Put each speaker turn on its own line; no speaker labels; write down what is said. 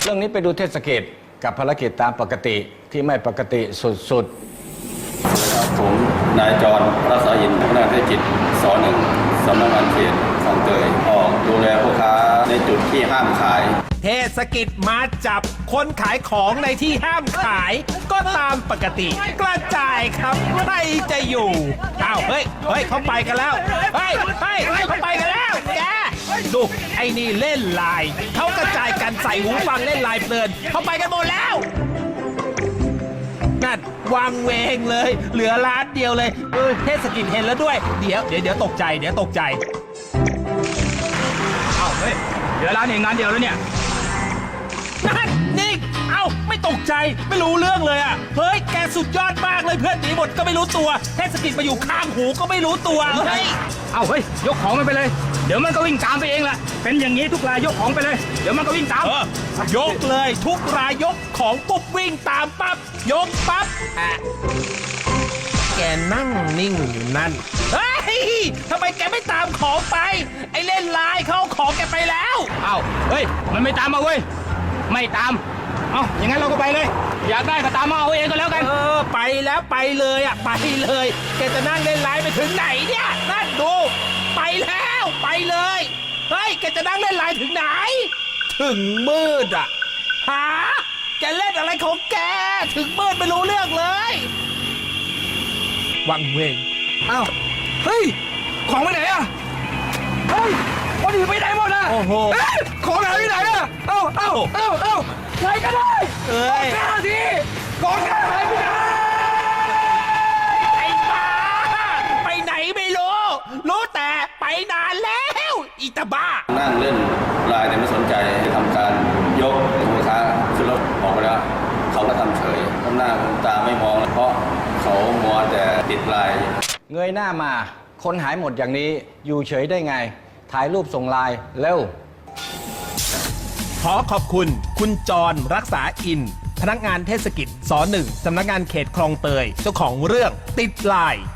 เรื่องนี้ไปดูเทศกิจกับภารกิจตามปกติที่ไม่ปกติสุดๆ
ผมนายจรรักษาอินพนักงานเทศกิจส.1 สำนักงานเขตคลองเตยออกดูแลผู้ค้าในจุดที่ห้ามขาย
เทศกิจมาจับคนขายของในที่ห้ามขายก็ตามปกติกระจายครับใครจะอยู่อ้าวเฮ้ยเขาไปกันแล้วเฮ้ยเขาไปกันแล้วแกดูไอ้นี่เล่นไลน์เขากระจายกันใส่หูฟังเล่นไลน์เพลินเขาไปกันหมดแล้วนั่นวางเวงเลยเหลือร้านเดียวเลยเทศกิจเห็นแล้วด้วยเดี๋ยวตกใจ
เอ้าเฮ้ยเหลือร้านเองร้านเดียวแล้วเนี่ย
นั่นนี่เอ้าไม่ตกใจไม่รู้เรื่องเลยอ่ะเฮ้ยแกสุดยอดมากเลยเพื่อนหนีหมดก็ไม่รู้ตัวเทศกิจมาอยู่ข้างหูก็ไม่รู้ตัวเฮ้ย
เอ้าเฮ้ยยกของมันไปเลยเดี๋ยวมันก็วิ่งตามไปเองแหละเป็นอย่างนี้ทุกรายยกของไปเลยเดี๋ยวมันก็วิ่งตาม
ยกเลยทุกรายยกของปุ๊บวิ่งตามปั๊บยกปั๊บแกนั่งนิ่งอยู่นั่นเฮ้ยทำไมแกไม่ตามของไปไอ้เล่นไลน์เขาของแกไปแล้ว
เอ้าเฮ้ยมันไม่ตามมาเว้ยไม่ตามอย่างนั้นเราก็ไปเลยอยากได้ก็ตามมาเอาเองก็แล้วกัน
ไปแล้วไปเลยไปเลยแกจะนั่งเล่นไลน์ไปถึงไหนเนี่ยนั่นดูไปแล้วไปเลยเฮ้ยแกจะนั่งเล่นไลน์ถึงไหนถึงมืดหาแกเล่นอะไรของแกถึงมืดไม่รู้เรื่องเลยวังเวง
เฮ้ยของไปไหนเฮ้ยคนอื่นไปไหนหมด
โอ้โห
ของหายไปไหนเอ้าใครก็ได้ของแก้ทีของแก้หายไปไหน
ไอ้บ้าไปไหนไม่รู้แต่ไปนานแล้วอีตาบ้า
นั่งเล่นไลน์แต่ไม่สนใจทำการยกผู้ค้าขึ้นรถออกไปแล้วเขาก็ทำเฉยทำหน้าทำตาไม่มองเพราะเขามัวแต่ติดไลน์
เงยหน้ามาคนหายหมดอย่างนี้อยู่เฉยได้ไงถ่ายรูปส่งไลน์เร็ว
ขอขอบคุณจรรักษาอินพนักงานเทศกิจส.1 สำนักงานเขตคลองเตยเจ้าของเรื่องติดไลน์